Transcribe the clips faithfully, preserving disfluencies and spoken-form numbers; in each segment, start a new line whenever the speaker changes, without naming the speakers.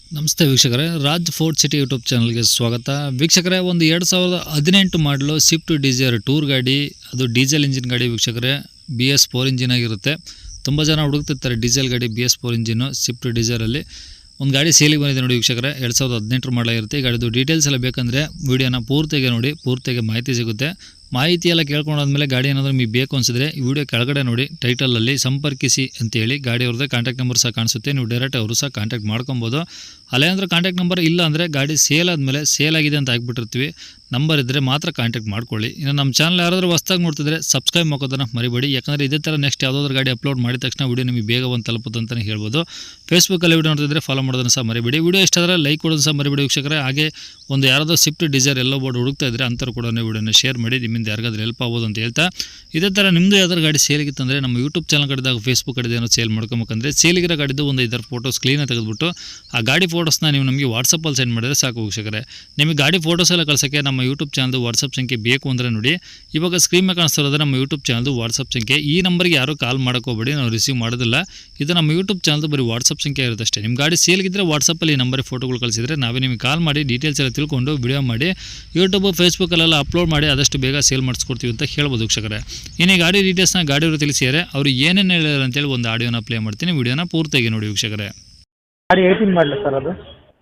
ನಮಸ್ತೆ ವೀಕ್ಷಕರೇ, Raj fort city YouTube ಚಾನಲ್ಗೆ ಸ್ವಾಗತ. ವೀಕ್ಷಕರೇ, ಒಂದು ಎರಡು ಸಾವಿರದ ಹದಿನೆಂಟು ಮಾಡಲು ಸ್ವಿಫ್ಟ್ ಡಿಸೈರ್ ಟೂರ್ ಗಾಡಿ, ಅದು ಡೀಸೆಲ್ ಇಂಜಿನ್ ಗಾಡಿ ವೀಕ್ಷಕರೇ. ಬಿ ಎಸ್ ಫೋರ್ ಇಂಜಿನ್ ಆಗಿರುತ್ತೆ. ತುಂಬ ಜನ ಹುಡುಕ್ತಿರ್ತಾರೆ ಡೀಸೆಲ್ ಗಾಡಿ, B S four engine Swift ಡಿಸೈರಲ್ಲಿ. ಒಂದು ಗಾಡಿ ಸೇಲಿಗೆ ಬಂದಿದೆ ನೋಡಿ ವೀಕ್ಷಕರೇ, ಎರಡು ಸಾವಿರದ ಹದಿನೆಂಟರ ಮಾಡಲಾಗಿರುತ್ತೆ. ಈ ಗಾಡಿದು ಡೀಟೇಲ್ಸ್ ಎಲ್ಲ ಬೇಕಂದರೆ ವೀಡಿಯೋನ ಪೂರ್ತಿಗೆ ನೋಡಿ, ಪೂರ್ತಿಗೆ ಮಾಹಿತಿ ಸಿಗುತ್ತೆ. ಮಾಹಿತಿ ಎಲ್ಲ ಕೇಳ್ಕೊಂಡಾದ್ಮೇಲೆ ಗಾಡಿ ಏನಾದರೂ ನಿಮಗೆ ಬೇಕು ಅನಿಸಿದ್ರೆ ಈ ವಿಡಿಯೋ ಕೆಳಗಡೆ ನೋಡಿ ಟೈಟಲಲ್ಲಿ ಸಂಪರ್ಕಿಸಿ ಅಂತೇಳಿ ಗಾಡಿ ಅವ್ರದ್ದೇ ಕಾಂಟ್ಯಾಕ್ಟ್ ನಂಬರ್ ಸಹ ಕಾಣಿಸುತ್ತೆ. ನೀವು ಡೈರೆಕ್ಟ್ ಅವರು ಸಹ ಕಾಂಟ್ಯಾಕ್ಟ್ ಮಾಡ್ಕೊಬೋದು. ಅಲ್ಲೇನಾದ್ರೂ ಕಾಂಟ್ಯಾಕ್ಟ್ ನಂಬರ್ ಇಲ್ಲ ಅಂದರೆ ಗಾಡಿ ಸೇಲ್ ಆದಮೇಲೆ ಸೇಲ್ ಆಗಿದೆ ಅಂತ ಹಾಕ್ಬಿಟ್ಟಿರ್ತೀವಿ, ನಂಬರ್ ಇದ್ದರೆ ಮಾತ್ರ ಕಾಂಟ್ಯಾಕ್ಟ್ ಮಾಡ್ಕೊಳ್ಳಿ. ಇನ್ನು ನಮ್ಮ ಚಾನಲ್ ಯಾರಾದರೂ ಹೊಸ್ದಾಗಿ ನೋಡ್ತಿದ್ರೆ ಸಬ್ಸ್ಕ್ರೈಬ್ ಮಾಡೋದನ್ನು ಮರಿಬೇಡಿ. ಯಾಕಂದರೆ ಇದೇ ಥರ ನೆಕ್ಸ್ಟ್ ಯಾವುದಾದ್ರೂ ಗಾಡಿ ಅಪ್ಲೋಡ್ ಮಾಡಿದ ತಕ್ಷಣ ವಿಡಿಯೋ ನಿಮಗೆ ಬೇಗ ಒಂದು ತಲುಪುತ್ತೆ ಅಂತಲೇ ಹೇಳ್ಬೋದು. ಫೇಸ್ಬುಕ್ಕಲ್ಲಿ ವಿಡಿಯೋ ನೋಡ್ತಿದ್ರೆ ಫಾಲೋ ಮಾಡೋದನ್ನು ಸಹ ಮರಿಬೇಡಿ. ವಿಡಿಯೋ ಇಷ್ಟ ಆದರೆ ಲೈಕ್ ಕೊಡೋದು ಸಹ ಮರಿಬೇಡಿ ವೀಕ್ಷಕರೇ. ಹಾಗೆ ಒಂದು ಯಾರಾದರೂ ಸ್ವಿಫ್ಟ್ ಡಿಸೈರ್ ಎಲ್ಲೋ ಬೋರ್ಡ್ ಹುಡುಕ್ತಾ ಇದ್ದರೆ ಅಂಥವ್ರು ಕೂಡ ವಿಡಿಯೋನ ಶೇರ್ ಮಾಡಿ, ನಿಮ್ಮಿಂದ ಯಾರಿಗಾದ್ರೂ ಹೆಲ್ಪ್ ಆಗ್ಬೋದು ಅಂತ ಹೇಳ್ತಾ, ಇದೇ ಥರ ನಿಮ್ಮದು ಯಾವ್ದಾದ್ರು ಗಾಡಿ ಸೇಲಿಗಿತ್ತಂದರೆ ನಮ್ಮ ಯೂಟ್ಯೂಬ್ ಚಾನಲ್ ಕಡೆದಾಗ ಫೇಸ್ಬುಕ್ ಕಡೆದು ಏನೋ ಸೇಲ್ ಮಾಡ್ಕೊಬೇಕಂದ್ರೆ ಸೇಲಿಗಿರೋ ಗಾಡಿದ್ದು ಒಂದು ಐದಾರು ಫೋಟೋಸ್ ಕ್ಲೀನಾಗಿ ತೆಗೆದುಬಿಟ್ಟು ಆ ಗಾಡಿ ಫೋಟೋಸ್ನ ನೀವು ನಮಗೆ ವಾಟ್ಸಪ್ಪಲ್ಲಿ ಸೆಂಡ್ ಮಾಡಿದರೆ ಸಾಕು ವೀಕ್ಷಕರೇ. ನಿಮಗೆ ಗಾಡಿ ಫೋಟೋಸ್ ಎಲ್ಲ ಕಳ್ಸೋಕ್ಕೆ ನಮ್ಮ ಯೂಟ್ಯೂಬ್ ಚಾನಲ್ದು ವಾಟ್ಸಪ್ ಸಂಖ್ಯೆ ಬೇಕು ಅಂದರೆ ನೋಡಿ, ಇವಾಗ ಸ್ಕ್ರೀನ್ ಮೇಲೆ ಕಾಣಿಸ್ತಿರೋದ್ರೆ ನಮ್ಮ ಯೂಟ್ಯೂಬ್ ಚಾನಲ್ದು ವಾಟ್ಸಪ್ ಸಂಖ್ಯೆ. ಈ ನಂಬರ್ಗೆ ಯಾರೂ ಕಾಲ್ ಮಾಡೋಕ್ಕೋಗ್ಬೇಡಿ, ನಾವು ರಿಸೀವ್ ಮಾಡೋದಿಲ್ಲ. ಇದು ನಮ್ಮ ಯೂಟ್ಯೂಬ್ ಚಾನಲ್ದು ಬರೀ ವಾಟ್ಸಪ್ ಸಂಖ್ಯೆ ಇರುತ್ತೆ ಅಷ್ಟೇ. ನಿಮ್ಮ ಗಾಡಿ ಸೇಲ್ಗಿದ್ರೆ ವಾಟ್ಸಪ್ಪಲ್ಲಿ ಈ ನಂಬರಿಗೆ ಫೋಟೋಗಳು ಕಳಿಸಿದರೆ ನಾವೇ ನಿಮಗೆ ಕಾಲ್ ಮಾಡಿ ಡೀಟೇಲ್ಸ್ ಎಲ್ಲ ತಿಳ್ಕೊಂಡು ವಿಡಿಯೋ ಮಾಡಿ ಯೂಟ್ಯೂಬ್ ಫೇಸ್ಬುಕ್ಕಲ್ಲೆಲ್ಲ ಅಪ್ಲೋಡ್ ಮಾಡಿ ಆದಷ್ಟು ಬೇಗ ಸೇಲ್ ಮಾಡಿಸ್ಕೊಡ್ತೀವಿ ಅಂತ ಹೇಳ್ಬೋದು ವೀಕ್ಷಕರೇ. ಇನ್ನು ಗಾಡಿ ಡೀಟೇಲ್ಸ್ನ ಗಾಡಿಯವರು ತಿಳಿಸಿದರೆ ಅವರು ಏನೇನು ಹೇಳಿದ್ರು ಅಂತೇಳಿ ಒಂದು ಆಡಿಯೋನ ಪ್ಲೇ ಮಾಡ್ತೀನಿ, ವಿಡಿಯೋನ ಪೂರ್ತಿಯಾಗಿ ನೋಡಿ ವೀಕ್ಷಕರೇ.
ಗಾಡಿ ಏಯ್ಟೀನ್ ಮಾಡಲಿ ಸರ್, ಅದು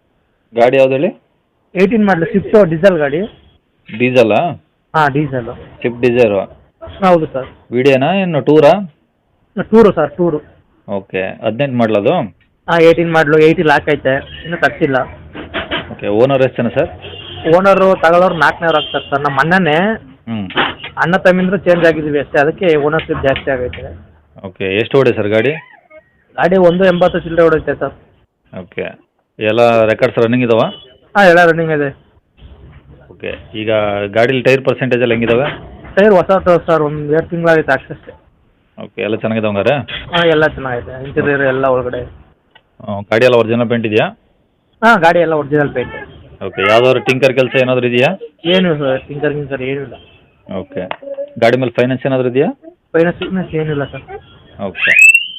ಗಾಡಿ ಯಾವ್ದು ಹೇಳಿ?
ಏಯ್ಟೀನ್ ಮಾಡಲಿ ಸ್ವಿಫ್ಟ್ ಡೀಸೆಲ್ ಗಾಡಿ.
ಡೀಸೆಲ್ಲಾ?
ಹಾಂ, ಡೀಸೆಲ್
ಸ್ವಿಫ್ಟ್ ಡಿಸೈರು.
ಹೌದು ಸರ್.
ವಿಡಿಯೋನಾ ಏನು ಟೂರಾ?
Tour sir, tour.
ಓಕೆ, ಹದಿನೆಂಟು ಮಾಡಲದು?
ಹಾಂ, ಏಯ್ಟೀನ್ ಮಾಡಲು, ಏಯ್ಟಿ ಲಾಕ್ ಐತೆ, ಇನ್ನೂ ತಗ್ಸಿಲ್ಲ.
ಓಕೆ, ಓನರ್ ಎಷ್ಟು ಜನ ಸರ್?
ಓನರು ತಗೊಳ್ಳೋರು ನಾಲ್ಕನೇವ್ರು ಆಗ್ತಾರೆ ಸರ್. ನಮ್ಮ ಅಣ್ಣನೇ,
ಹ್ಞೂ
ಅಣ್ಣ ತಮ್ಮಿಂದ್ರು ಚೇಂಜ್ ಆಗಿದ್ದೀವಿ ಅಷ್ಟೇ, ಅದಕ್ಕೆ ಓನರ್ಶಿಪ್ ಜಾಸ್ತಿ ಆಗೈತೆ.
ಓಕೆ, ಎಷ್ಟು ಓಡಿ ಸರ್ ಗಾಡಿ?
ಗಾಡಿ ಒಂದು ಎಂಬತ್ತು ಚಿಲ್ಲರೆ ಹೊಡೈತೆ ಸರ್.
ಓಕೆ, ಎಲ್ಲ ರೆಕಾರ್ಡ್ಸ್ ರನ್ನಿಂಗ್ ಇದಾವ?
ಹಾಂ, ಎಲ್ಲ ರನ್ನಿಂಗ್ ಇದೆ.
ಓಕೆ, ಈಗ ಗಾಡೀಲಿ ಟೈರ್ ಪರ್ಸೆಂಟೇಜ್ ಎಲ್ಲ ಹೆಂಗಿದಾವೆ?
ಟೈರ್ ಹೊಸ ಸರ್, ಒಂದು ಎರಡು ತಿಂಗಳಾಗೈತೆ ಅಷ್ಟೇ.
ಓಕೆ, ಎಲ್ಲ ಚೆನ್ನಾಗಿದಾವೆ ಹಂಗಾರೆ?
ಹಾಂ, ಎಲ್ಲ ಚೆನ್ನಾಗೈತೆ, ಇಂಟೀರಿಯರ್ ಎಲ್ಲ ಒಳಗಡೆ.
ಗಾಡಿ ಎಲ್ಲ ಒರಿಜಿನಲ್ ಪೇಂಟ್ ಇದೆಯಾ?
ಹಾಂ, ಗಾಡಿ ಎಲ್ಲ ಒರಿಜಿನಲ್ ಪೇಂಟ್.
ಓಕೆ, ಯಾವ್ದಾದ್ರು ಟಿಂಕರ್ ಕೆಲಸ ಏನಾದರೂ ಇದೆಯಾ?
ಏನು ಸರ್, ಟಿಂಕರ್ ಗಿಂಕರ್ ಏನಿಲ್ಲ.
ಓಕೆ, ಗಾಡಿ ಮೇಲೆ ಫೈನಾನ್ಸ್ ಏನಾದರೂ ಇದೆಯಾ?
ಫೈನಾನ್ಸ್ ಫಿಟ್ನೆಸ್ ಏನಿಲ್ಲ ಸರ್.
ಓಕೆ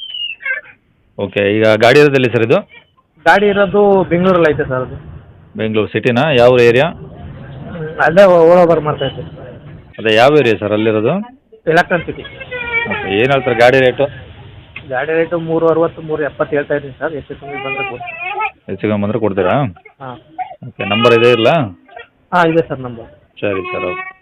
ಓಕೆ ಈಗ ಗಾಡಿ ಇರೋದಿಲ್ಲ ಸರ್ ಇದು?
ಗಾಡಿ ಇರೋದು ಬೆಂಗಳೂರಲ್ಲಿ ಐತೆ ಸರ್. ಅದು
ಬೆಂಗಳೂರು ಸಿಟಿನಾ? ಯಾವ ಏರಿಯಾ?
ಅಲ್ಲೇ ಓಡೋಬರ್ ಮಾಡ್ತಾ ಇದ್ದೆ.
ಅದೇ ಯಾವ ಏರಿಯಾ ಸರ್ ಅಲ್ಲಿರೋದು?
Electron City.
ಓಕೆ, ಏನು ಹೇಳ್ತಾರೆ ಗಾಡಿ ರೇಟು?
ಗಾಡಿ ರೇಟು ಮೂರು ಅರವತ್ತು ಮೂರು ಎಪ್ಪತ್ತು ಹೇಳ್ತಾ ಇದ್ದೀನಿ ಸರ್. ಎಷ್ಟು ಕಮ್ಮಿ ಬಂದರೆ ಕೊಡ್ತೀನಿ.
ಹೆಚ್ಚು ಕಮ್ಮಿ ಬಂದರೆ ಕೊಡ್ತೀರಾ?
ಹಾಂ.
ಓಕೆ, ನಂಬರ್ ಇದೆ ಇಲ್ಲ?
ಹಾಂ, ಇದೆ ಸರ್ ನಂಬರ್.
ಸರಿ ಸರ್, ಓಕೆ.